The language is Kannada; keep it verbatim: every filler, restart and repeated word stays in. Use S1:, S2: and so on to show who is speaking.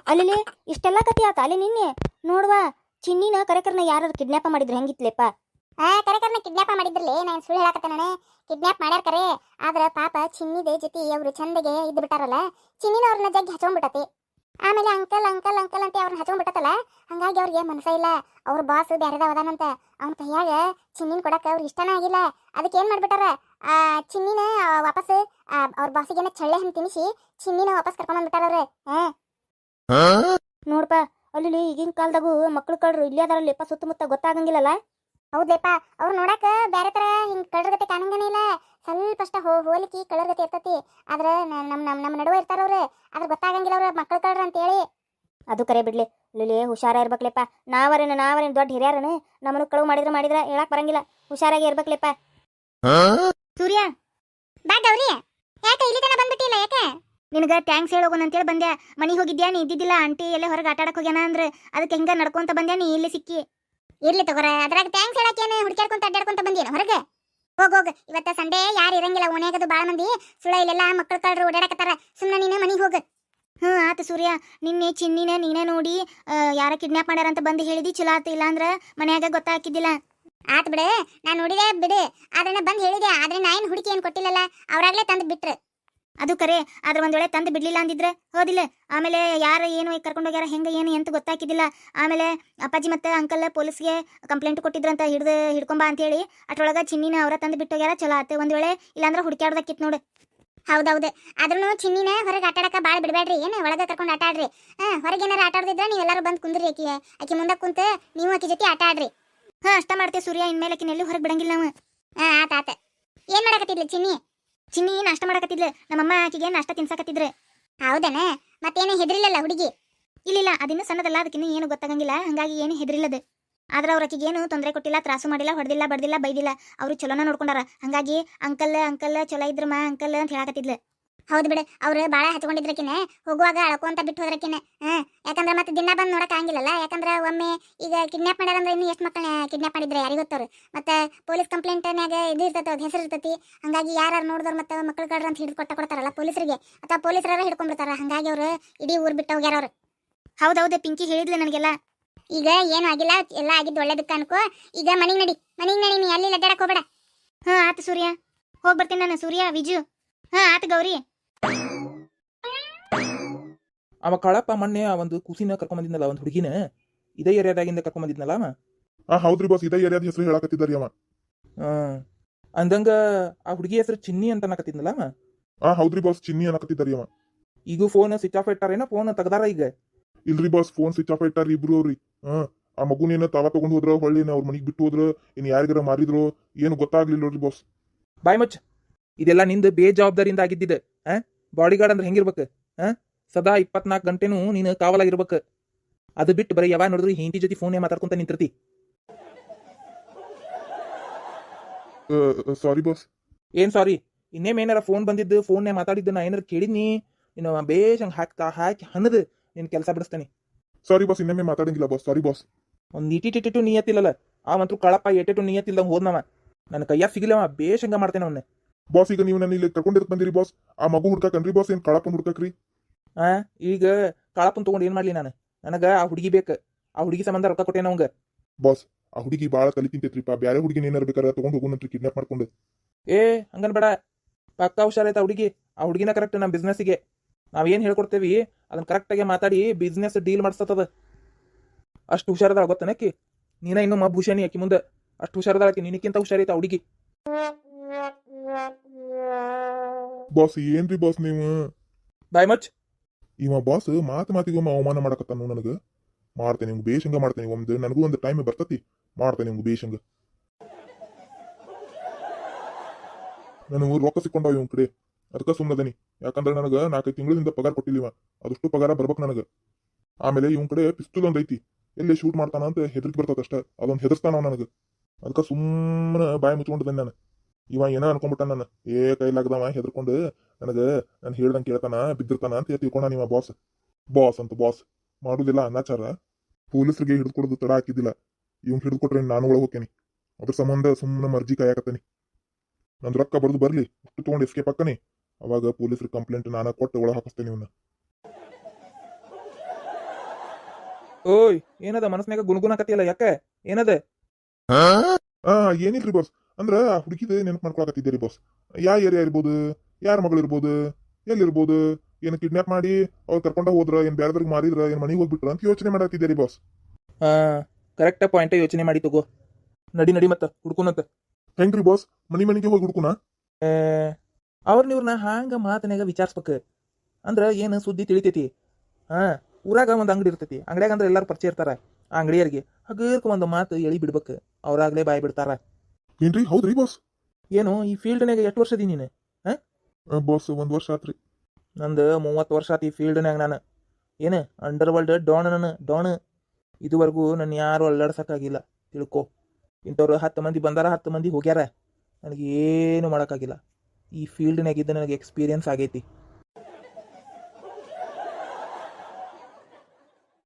S1: ಅಲ್ಲಿ ಇಷ್ಟೆಲ್ಲ ಕತಿ ಆತ ಅಲ್ಲಿ ನಿನ್ನೆ ನೋಡುವ ಚಿನ್ನಿನ ಕರೆಕರ್ನ ಯಾರು ಕಿಡ್ನಾಪ್ ಮಾಡಿದ್ರು ಹೆಂಗಿತ್ಲೆಪ್ಪ?
S2: ಆ ಕರೆಕರ್ನ ಕಿಡ್ನಾಪ್ ಮಾಡಿದ್ರಲ್ಲ, ನಾನು ಸುಳ್ಳು ಹೇಳಕತ್ತೆ ನಾನು. ಕಿಡ್ನಾಪ್ ಮಾಡ್ಯಾರ ಕರೆ, ಆದ್ರ ಪಾಪ ಚಿನ್ನಿದೆ ಜೊತೆ ಅವ್ರು ಚಂದಗೆ ಇದ್ದು ಬಿಟ್ಟಾರಲ್ಲ, ಚಿನ್ನಿನ ಅವ್ರನ್ನ ಜಗ್ಗಿ ಹಚ್ಕೊಂಡ್ಬಿಟ್ಟತಿ. ಆಮೇಲೆ ಅಂಕಲ್ ಅಂಕಲ್ ಅಂಕಲ್ ಅಂತ ಅವ್ರನ್ನ ಹಚ್ಕೊಂಡ್ಬಿಟ್ಟತಲ್ಲ, ಹಂಗಾಗಿ ಅವ್ರಿಗೆ ಮನಸ ಇಲ್ಲ. ಅವ್ರ ಬಾಸ್ ಬ್ಯಾರೆದ ಅದಾನಂತ, ಅವ್ನ ಕೈಯಾಗ ಚಿನ್ನಿನ ಕೊಡಕ್ಕೆ ಅವ್ರಿಗೆ ಇಷ್ಟನೇ ಆಗಿಲ್ಲ. ಅದಕ್ಕೆ ಏನ್ ಮಾಡ್ಬಿಟ್ಟಾರ, ಆ ಚಿನ್ನಿನ ವಾಪಸ್ ಅವ್ರ ಬಾಸಿಗೆನ ಚಳ್ಳೆ ಹಣ್ಣು ತಿನ್ನಿಸಿ ಚಿನ್ನಿನ ವಾಪಸ್ ಕರ್ಕೊಂಡ್ಬಿಟ್ಟಾರ ಅವ್ರೆ. ಹಾ
S1: ನೋಡ್ಪ ಅಲ್ಲಿ ಈಗಿನ ಕಾಲದಾಗೂ ಮಕ್ಳು ಕಳ್ರು ಇಲ್ಲೇ ಅದಾರಲ್ಲಪ್ಪ, ಸುತ್ತಮುತ್ತ ಗೊತ್ತಾಗಂಗಿಲ್ಲಲ್ಲ.
S2: ಹೌದ್ಲೇಪ, ಅವ್ರು ನೋಡಾಕ ಬೇರೆ ತರ ಹಿಂಗ್ ಕಳ್ಳರ್ಗತೆ ಕಾಣಂಗನೇ ಇಲ್ಲ. ಸ್ವಲ್ಪ ಅಷ್ಟ ಹೋ ಹೋಲಿಕೆ ಕಳ್ಳರ್ಗತೆ ಇರ್ತತಿ. ಆದ್ರ ನಮ್ ನಮ್ ನಮ್ಮ ನಡುವೆ ಇರ್ತಾರವ್ರೆ, ಆದ್ರ ಗೊತ್ತಾಗಂಗಿಲ್ಲ ಅವ್ರ ಮಕ್ಳು ಕಳ್ರ ಅಂತ ಹೇಳಿ.
S1: ಅದು ಕರೆ ಬಿಡ್ಲಿ, ಇಲ್ಲಿ ಹುಷಾರ ಇರ್ಬೇಕ್ಲೆಪ್ಪ. ನಾವರೇನ ನಾವರೇನು ದೊಡ್ಡ ಹಿರಿಯರನು, ನಮ್ಮನ್ನು ಕಳುವು ಮಾಡಿದ್ರೆ ಮಾಡಿದ್ರೆ ಹೇಳಕ್ ಬರಂಗಿಲ್ಲ. ಹುಷಾರಾಗಿ ಇರ್ಬೇಕ್ಲೆಪ್ಪ.
S2: ಸೂರ್ಯ ಬಾ ಗೌರಿ, ಯಾಕೆ ಇಲ್ಲಿ ತನ ಬಂದ್ಬಿಟ್ಟಿಲ್ಲ? ಯಾಕೆ
S1: ನಿನಗ ಥ್ಯಾಂಕ್ಸ್ ಹೇಳೋಗೋಣ ಅಂತೇಳಿ ಬಂದೆ. ಮನಿಗೆ ಹೋಗಿದ್ಯಾ, ನೀ ಇದ್ದಿದ್ದಿಲ್ಲ. ಆಂಟಿ ಎಲ್ಲ ಹೊರಗೆ ಆಟ ಆಡಕ್ ಹೋಗ್ಯಾನ ಅಂದ್ರೆ ಅದಕ್ಕೆ ಹೆಂಗ ನಡ್ಕೊಂತ ಬಂದ್ಯಾ, ನೀ ಇಲ್ಲಿ ಸಿಕ್ಕಿ.
S2: ಇರ್ಲಿ ತಗೋರ, ಅದ್ರಾಗ ಥ್ಯಾಂಕ್ಸ್ ಹೇಳಕ್ಕೇನು ಹುಡುಕ್ಯಾಡ್ಕೊಂತ ಅಡ್ಡಾಡ್ಕೊಂತ ಬಂದೇನು ಹೊರಗೆ? ಹೋಗ್ ಹೋಗ್, ಇವತ್ತ ಸಂಡೇ ಯಾರು ಇರಂಗಿಲ್ಲ ಓಣ್ಯಾಗದು. ಬಾಳ ಮಂದಿ ಸುಳ ಇಲ್ಲೆಲ್ಲ ಮಕ್ಕಳು ಕಳ್ರು ಓಡಾಡಕತ್ತಾರ. ಸುಮ್ಮನೆ ನೀನು ಮನಿಗೆ ಹೋಗ.
S1: ಹ್ಞೂ ಆತು ಸೂರ್ಯ, ನಿನ್ನೆ ಚಿನ್ನಿನ ನೀನೇ ನೋಡಿ ಯಾರ ಕಿಡ್ನಾಪ್ ಮಾಡ್ಯಾರ ಅಂತ ಬಂದು ಹೇಳಿದಿ, ಚಲೋ ಆತು. ಇಲ್ಲ ಅಂದ್ರೆ ಮನ್ಯಾಗ ಗೊತ್ತಾಕಿದ್ದಿಲ್ಲ.
S2: ಆತ್ ಬಿಡು, ನಾನು ನೋಡಿದೆ ಬಿಡು. ಆದ್ರೆ ಬಂದು ಹೇಳಿದೆ, ಆದ್ರೆ ನಾ ಏನು ಹುಡುಕಿ ಏನು ಕೊಟ್ಟಿಲ್ಲಲ್ಲ, ಅವ್ರಾಗ್ಲೇ ತಂದು ಬಿಟ್ರು.
S1: ಅದು ಕರೆ, ಆದ್ರೆ ಒಂದ್ ವೇಳೆ ತಂದು ಬಿಡ್ಲಿಲ್ಲ ಅಂದಿದ್ರೆ ಹೋದಿಲ್ಲ. ಆಮೇಲೆ ಯಾರು ಏನು ಕರ್ಕೊಂಡೋಗ್ಯಾರ ಹೆಂಗೆ ಏನು ಎಂತ ಗೊತ್ತಾಕಿದ್ದಿಲ್ಲ. ಆಮೇಲೆ ಅಪ್ಪಾಜಿ ಮತ್ತೆ ಅಂಕಲ್ ಪೊಲೀಸ್ಗೆ ಕಂಪ್ಲೇಂಟ್ ಕೊಟ್ಟಿದ್ರಂತ, ಹಿಡ್ದು ಹಿಡ್ಕೊಂಬ ಅಂತ ಹೇಳಿ. ಅಟ್ರೊಳಗ ಚಿನ್ನಿನ ಅವರ ತಂದು ಬಿಟ್ಟೋಗ್ಯಾರ. ಚಲೋ ಆತು. ಒಂದ್ ವೇಳೆ ಇಲ್ಲಾಂದ್ರೆ ಹುಡುಕ್ಯಾಡ್ದಕ್ಕಿತ್ತು ನೋಡು.
S2: ಹೌದೌದು, ಆದ್ರೂ ಚಿನ್ನಿನ ಹೊರಗೆ ಆಟ ಆಡಕ ಭಾಳ ಬಿಡಬೇಡ್ರಿ. ಏನು ಒಳಗೆ ಕರ್ಕೊಂಡು ಆಟ ಆಡ್ರಿ. ಹಾ, ಹೊರಗೆ ಏನಾರು ಆಟ ಆಡದಿದ್ರೆ ನೀವೆಲ್ಲರೂ ಬಂದು ಕುಂದ್ರಿ. ಆಕಿ ಆಕಿ ಮುಂದೆ ಕುಂತ ನೀವು ಆಕಿ ಜೊತೆ ಆಟ ಆಡ್ರಿ.
S1: ಹಾ, ಅಷ್ಟ ಮಾಡ್ತೇವೆ ಸೂರ್ಯ. ಇನ್ಮೇಲೆ ಆಕಿನ ಎಲ್ಲಿ ಹೊರಗೆ ಬಿಡಂಗಿಲ್ಲ ನಾವು.
S2: ಹಾ ಆತ ಆತ. ಏನ್ ಮಾಡಕತ್ತಿದ್ಲು ಚಿನ್ನಿ?
S1: ಚಿನ್ನಿ ನಾಷ್ಟ ಮಾಡಕತ್ತಿದ್ಲು. ನಮ್ಮಮ್ಮ ಆಕಿಗೆ ನಾಷ್ಟ ತಿನ್ಸಾಕತ್ತಿದ್ರೆ.
S2: ಹೌದನ? ಮತ್ತೇನು ಹೆದರಿಲ್ಲಲ್ಲ ಹುಡುಗಿ?
S1: ಇಲ್ಲಿಲ್ಲ, ಅದಿನ್ನೂ ಸಣ್ಣದಲ್ಲ, ಅದಕ್ಕಿನ್ನೂ ಏನು ಗೊತ್ತಾಗಂಗಿಲ್ಲ. ಹಂಗಾಗಿ ಏನು ಹೆದರಿಲ್ಲದು. ಆದ್ರೆ ಅವ್ರ ಆಕಿಗೆ ಏನು ತೊಂದರೆ ಕೊಟ್ಟಿಲ್ಲ, ತ್ರಾಸು ಮಾಡಿಲ್ಲ, ಹೊಡೆದಿಲ್ಲ, ಬಡ್ದಿಲ್ಲ, ಬೈದಿಲ್ಲ. ಅವರು ಚಲೋನ ನೋಡ್ಕೊಂಡಾರ. ಹಂಗಾಗಿ ಅಂಕಲ್ ಅಂಕಲ್ ಚಲೋ ಇದ್ರ ಮಾ ಅಂಕಲ್ ಅಂತ ಹೇಳಕತ್ತಿದ್ಲು.
S2: ಹೌದು ಬಿಡು, ಅವ್ರು ಭಾಳ ಹಚ್ಕೊಂಡಿದ್ರಕಿನ ಹೋಗುವಾಗ ಅಳ್ಕೊಂತ ಬಿಟ್ಟು ಹೋದ್ರಕಿನ. ಹಾ, ಯಾಕಂದ್ರೆ ಮತ್ತೆ ದಿನ ಬಂದು ನೋಡಕ್ ಆಗಿಲ್ಲಲ್ಲ. ಯಾಕಂದ್ರೆ ಒಮ್ಮೆ ಈಗ ಕಿಡ್ನಾಪ್ ಮಾಡ್ಯಾರಂದ್ರೆ ಇನ್ನು ಎಷ್ಟು ಮಕ್ಕಳನ್ನ ಕಿಡ್ನಾಪ್ ಮಾಡಿದ್ರೆ ಯಾರಿಗೆ ಗೊತ್ತವ್ರು. ಮತ್ತೆ ಪೊಲೀಸ್ ಕಂಪ್ಲೇಂಟ್ನಾಗ ಇದು ಇರ್ತೈತೆ, ಅವ್ರ ಹೆಸರು ಇರ್ತೈತಿ. ಹಂಗಾಗಿ ಯಾರು ನೋಡಿದವ್ರು ಮತ್ತೆ ಮಕ್ಕಳು ಕಳ್ರ ಅಂತ ಹಿಡಿದು ಕೊಟ್ಟ ಕೊಡ್ತಾರಲ್ಲ ಪೊಲೀಸರಿಗೆ, ಅಥವಾ ಪೊಲೀಸರ ಹಿಡ್ಕೊಂಡ್ಬಿಡ್ತಾರ. ಹಂಗಾಗಿ ಅವ್ರು ಇಡೀ ಊರು ಬಿಟ್ಟು ಹೋಗ್ಯಾರ ಅವ್ರು.
S1: ಹೌದೌದು, ಪಿಂಕಿ ಹೇಳಿದ್ಲು ನನಗೆಲ್ಲ.
S2: ಈಗ ಏನು ಆಗಿಲ್ಲ, ಎಲ್ಲ ಆಗಿದ್ದು ಒಳ್ಳೇದಕ್ಕೆ ಅನ್ಕೋ. ಈಗ ಮನೆಗೆ ನಡಿ, ಮನೆಗೆ ನಡಿ, ನೀ ಅಲ್ಲಿ ಅಡ್ಡಾಡಕ್ ಹೋಗ್ಬೇಡ.
S1: ಹಾ ಆತು ಸೂರ್ಯ, ಹೋಗಿ ಬರ್ತೀನಿ ನಾನು. ಸೂರ್ಯ, ವಿಜು. ಹಾ ಆತು ಗೌರಿ.
S3: ಅವ ಕಾಳಪ್ಪ ಮೊನ್ನೆ ಒಂದು ಕೂಸಿನ ಕರ್ಕೊಂಬಂದಿದ್ನಲ್ಲ, ಒಂದು ಹುಡುಗಿನ ಇದೇ ಏರಿಯಾದಾಗಿಂದ ಕರ್ಕೊಂಬಂದಿದ್ನಲ್ಲ ಅವ.
S4: ಹಾ ಹೌದ್ರಿ ಬಾಸ್, ಇದೇ ಏರಿಯಾದ ಹೆಸರು ಹೇಳಕತ್ತಿದ್ದಾರಿ ಅವ.
S3: ಹ್ಮ್ ಅಂದಂಗ ಆ ಹುಡುಗಿ ಹೆಸರು ಚಿನ್ನಿ ಅಂತ ಅನ್ನಕತ್ತಿದ್ನಲ್ಲ ಅವ.
S4: ಹಾ ಹೌದ್ರಿ ಬಾಸ್, ಚಿನ್ನಿ ಅನ್ನಕತ್ತಿದ್ದಾರಿ ಅವ.
S3: ಈಗ ಫೋನ್ ಸ್ವಿಚ್ ಆಫ್ ಇಟ್ಟಾರೇನೋ, ಫೋನ್ ತೆಗ್ದಾರ ಈಗ?
S4: ಇಲ್ರಿ ಬಾಸ್, ಫೋನ್ ಸ್ವಿಚ್ ಆಫ್ ಇಟ್ಟಾರಿ ಇಬ್ರು ಅವ್ರಿ. ಹಾ, ಆ ಮಗುನೇನ ತಾವ ತಗೊಂಡ್ ಹೋದ್ರ, ಹೊಳ್ಳಿ ಅವ್ರ ಮನಿಗ್ ಬಿಟ್ಟು ಹೋದ್ರ, ಇನ್ ಯಾರಿಗಾರ ಮಾರಿದ್ರು ಏನು ಗೊತ್ತಾಗ್ಲಿಲ್ಲ ನೋಡ್ರಿ ಬಾಸ್.
S3: ಬಾಯ್ ಮಚ್, ಇದೆಲ್ಲ ನಿಂದು ಬೇಜವಾಬ್ದಾರಿಯಿಂದ ಆಗಿದ್ದಿದೆ. ಆ ಬಾಡಿ ಗಾರ್ಡ್ ಅಂದ್ರೆ ಹೆಂಗಿರ್ಬೇಕು? ಹಾ, ಸದಾ ಇಪ್ಪತ್ನಾಲ್ಕು ಗಂಟೆನೂ ನೀನು ಕಾವಲಾಗಿರ್ಬೇಕು. ಅದು ಬಿಟ್ಟು ಬರೀ ಯಾವಾಗ ನೋಡಿದ್ರು ಹಿಂದಿ ಜೊತೆ ಫೋನ್ ಮಾತಾಡ್ಕೊಂತ ನಿಂತಿರ್ತಿ.
S4: Sorry boss.
S3: ಏನ್ ಸಾರಿ? ಇನ್ನೇಮ್ ಏನಾರ ಫೋನ್ ಬಂದಿದ್ದು, ಫೋನ್ನೇ ಮಾತಾಡಿದ್ದು ನಾ ಏನಾರ ಕೇಳಿದ್ನಿ, ನೀನು ಬೇಷ್ ಹಂಗೆ ಹಾಕ್ತಾ ಹಾಕಿ ಹನ್ನದು ನಿನ್ ಕೆಲಸ ಬಿಡಿಸ್ತಾನೆ.
S4: ಸಾರಿ ಬಾಸ್, ಇನ್ನೊಮ್ಮೆ ಮಾತಾಡಂಗಿಲ್ಲ ಬಾಸ್. Sorry boss.
S3: ಒಂದು ಇಟಿಟಿಟಿಟು ನಿಯತ್ತಿಲ್ಲಲ್ಲ ಆ ಮಂತ್ರು ಕಳಪ್ಪ, ಎಟೆಟು ನಿಯತ್ತಿಲ್ದಂಗೆ ಹೋದ್ನವ. ನನ್ನ ಕೈಯಾಗ ಸಿಗಲವ, ಬೇಷ್ ಹಂಗ ಮಾಡ್ತೇನೆ ಅವನ್ನ.
S4: ಬಾಸ್, ಈಗ ನೀವು ನನ್ನ ಇಲ್ಲಿ ಕರ್ಕೊಂಡಿರಕ್ ಬಂದಿರಿ ಬಾಸ್. ಆ ಮಗು ಹುಡ್ಕಾಕನ್ರಿ ಬಾಸ್, ಏನ್ ಕಳಪನ್ ಹುಡ್ಕಾಕ್ರಿ?
S3: ಆ ಈಗ ಕಾಳಪ್ಪನ್ ತಗೊಂಡು ಏನ್ ಮಾಡ್ಲಿ ನಾನು? ನನಗ ಆ ಹುಡುಗಿ ಬೇಕು. ಆ ಹುಡುಗಿ ಸಂಬಂಧ ರೊಕ್ಕ ಕೊಟ್ಟೆ ನವಂಗ.
S4: ಬಾಸ್, ಆ ಹುಡುಗಿ ಬಾಳ ತಲೆ ತಿಂತೈತ್ರಿಪ್ಪ. ಬ್ಯಾರೆ ಹುಡುಗಿನ ಏನಾರ ಬೇಕಾರೆ ತಗೊಂಡ್ ಹೋಗೋಣಂತ್ರಿ, ಕಿಡ್ನಾಪ್ ಮಾಡ್ಕೊಂಡು.
S3: ಏ ಹಂಗನ್ ಬೇಡ, ಪಕ್ಕ ಹುಷಾರೈತ ಹುಡುಗಿ. ಆ ಹುಡುಗಿನ ಕರೆಕ್ಟ್ ನಮ್ಮ ಬಿಸ್ನೆಸ್ಸಿಗೆ ನಾವೇನ್ ಹೇಳ್ಕೊಡ್ತೇವಿ ಅದನ್ನ ಕರೆಕ್ಟಾಗಿ ಮಾತಾಡಿ ಬಿಸ್ನೆಸ್ ಡೀಲ್ ಮಾಡಿಸ್ತದ. ಅಷ್ಟು ಹುಷಾರದಾಳ ಗೊತ್ತನಕ್ಕಿ. ನೀನ ಇನ್ನು ಮಬ್ಬುಷಾನಿ ಆಕಿ ಮುಂದೆ. ಅಷ್ಟು ಹುಷಾರದಾಳಕಿ, ನಿನಕ್ಕಿಂತ ಹುಷಾರೈತ ಹುಡುಗಿ.
S4: ಬಾಸ್ ಏನ್ರಿ ಬಾಸ್ ನೀವು?
S3: ಬಾಯ್ ಮಚ್.
S4: ಇವ ಬಾಸ್ ಮಾತು ಮಾತಿಗೊಮ್ಮೆ ಅವಮಾನ ಮಾಡಕತ್ತಾನ ನನಗ. ಮಾಡ್ತೇನೆ ನಿಮ್ಗೆ ಬೇಷಂಗ ಮಾಡ್ತೇನೆ. ಒಂದು ನನಗೂ ಒಂದು ಟೈಮ್ ಬರ್ತತಿ, ಮಾಡ್ತೇನೆ ನಿಮ್ಗೆ ಬೇಷಂಗ. ನನಗೆ ರೊಕ್ಕ ಸಿಕ್ಕೊಂಡಾವ ಇವನ್ ಕಡೆ, ಅದಕ್ಕೆ ಸುಮ್ಮನದನಿ. ಯಾಕಂದ್ರೆ ನನಗೆ ನಾಲ್ಕೈದು ತಿಂಗಳಿಂದ ಪಗಾರ ಕೊಟ್ಟಿಲ್ಲ. ಅದಷ್ಟು ಪಗಾರ ಬರ್ಬೇಕು ನನಗೆ. ಆಮೇಲೆ ಇವನ್ ಕಡೆ ಪಿಸ್ತೂಲ್ ಒಂದ್ ಐತಿ, ಎಲ್ಲಿ ಶೂಟ್ ಮಾಡ್ತಾನ ಅಂತ ಹೆದರ್ಕಿ ಬರ್ತದ ಅಷ್ಟ. ಅದೊಂದು ಹೆದರ್ಸ್ತಾನ ನನಗೆ. ಅದಕ್ಕೆ ಸುಮ್ಮನೆ ಬಾಯಿ ಮುಚ್ಕೊಂಡಿದ್ದೇನೆ ನಾನು. ಇವ ಏನೋ ಅನ್ಕೊಂಡ್ಬಿಟ್ಟ ನಾನು, ಏ ಕೈಲಾಗದವ ಹೆದರ್ಕೊಂಡು ನನಗೆ ನಾನು ಹೇಳ್ದಂಗೆ ಕೇಳ್ತಾನ, ಬಿದ್ದಿರ್ತಾನ ಅಂತ ತಿಳ್ಕೊಂಡ ನೀವ ಬಾಸ್. ಬಾಸ್ ಅಂತ ಬಾಸ್ ಮಾಡುದಿಲ್ಲ ಅನಾಚಾರ. ಪೊಲೀಸರಿಗೆ ಹಿಡಿದುಕೊಡೋದು ತಡ ಹಾಕಿದ್ದಿಲ್ಲ. ಇವ್ ಹಿಡಿದುಕೊಟ್ರೆ ನಾನು ಒಳಗೆ ಹೋಗ್ತೇನೆ. ಅದ್ರ ಸಂಬಂಧ ಸುಮ್ಮನೆ ಮರ್ಜಿ ಕಾಯಕತ್ತೇನಿ. ನಂದು ರೊಕ್ಕ ಬರ್ದು ಬರ್ಲಿ, ಅಷ್ಟು ತಗೊಂಡು ಎಸ್ಕೇಪ್ ಹಾಕನಿ. ಅವಾಗ ಪೊಲೀಸರು ಕಂಪ್ಲೇಂಟ್ ನಾನು ಕೊಟ್ಟು ಒಳಗೆ ಹಾಕಿಸ್ತೇನೆ ಇವನ್ನ.
S3: ಓಯ್ ಏನದ ಮನಸ್ನ್ಯಾಗ ಗುಣಗುಣಕತ್ತಿಯಲ್ಲ ಯಾಕೆ ಏನದ
S4: ಆ ಏನಿಲ್ರಿ ಬಾಸ್ ಅಂದ್ರ ಆ ಹುಡುಗಿದ ನೆನಪು ಮಾಡ್ಕೊಳಕತ್ತಿದ್ದೀರಿ ಬಾಸ್ ಯಾ ಏರಿಯಾ ಇರ್ಬೋದು ಯಾರ ಮಗಳು ಇರ್ಬೋದು ಎಲ್ಲಿರ್ಬೋದು ಏನ್ ಕಿಡ್ನಾಪ್ ಮಾಡಿ ಅವ್ರು ಕರ್ಕೊಂಡ ಹೋದ್ರ ಏನ್ ಬ್ಯಾರದ್ರಿಗೆ ಮಾರಿದ್ರ ಏನ್ ಮನೆಗೆ ಹೋಗ್ಬಿಟ್ರ ಅಂತ ಯೋಚನೆ ಮಾಡತ್ತಿದ್ದೀರಿ ಬಾಸ್
S3: ಹಾ ಕರೆಕ್ಟ್ ಪಾಯಿಂಟ್ ಯೋಚನೆ ಮಾಡಿ ತಗೋ ನಡಿ ನಡಿ ಮತ್ತ ಹುಡ್ಕುನಂತ
S4: ಹೆಂಗ್ರಿ ಬಾಸ್ ಮನಿ ಮನಿಗೆ ಹೋಗಿ ಹುಡುಕುನಾ
S3: ಅವ್ರನ್ನ ಇವ್ರನ್ನ ಹಾಂಗ ಮಾತನ್ಯಾಗ ವಿಚಾರಿಸ್ಬೇಕು ಅಂದ್ರ ಏನು ಸುದ್ದಿ ತಿಳಿತೈತಿ ಹಾ ಊರಾಗ ಒಂದು ಅಂಗಡಿ ಇರ್ತೈತಿ ಅಂಗಡಿಯಾಗ ಅಂದ್ರೆ ಎಲ್ಲಾರು ಪರಿಚಯ ಇರ್ತಾರ ಆ ಅಂಗಡಿಯರಿಗೆ ಹಗರ್ಕ ಒಂದು ಮಾತು ಎಳಿ ಬಿಡ್ಬೇಕು ಅವ್ರಾಗ್ಲೇ ಬಾಯ್ ಬಿಡ್ತಾರ
S4: ಏನ್ರಿ ಹೌದ್ರಿ ಬಾಸ್
S3: ಏನು ಈ ಫೀಲ್ಡ್ನಾಗ ಎಷ್ಟು ವರ್ಷದಿ ನೀನು
S4: ಬಾಸ್ ಒಂದ್ ವರ್ಷ ಆತ್ರಿ
S3: ನಂದು ಮೂವತ್ತು ವರ್ಷ ಆತಿ ಈ ಫೀಲ್ಡ್ನಾಗ ನಾನು ಏನು ಅಂಡರ್ ವರ್ಲ್ಡ್ ಡಾನ್ ನಾನು ಡಾನ್ ಇದುವರೆಗೂ ನನ್ನ ಯಾರು ಅಲ್ಲಾಡ್ಸಕ್ಕಾಗಿಲ್ಲ ತಿಳ್ಕೊ ಇಂಥವ್ರು ಹತ್ತು ಮಂದಿ ಬಂದಾರ ಹತ್ತು ಮಂದಿ ಹೋಗ್ಯಾರ ನನಗೇನು ಮಾಡೋಕ್ಕಾಗಿಲ್ಲ ಈ ಫೀಲ್ಡ್ನಾಗಿದ್ದ ನನಗೆ ಎಕ್ಸ್ಪೀರಿಯನ್ಸ್ ಆಗೈತಿ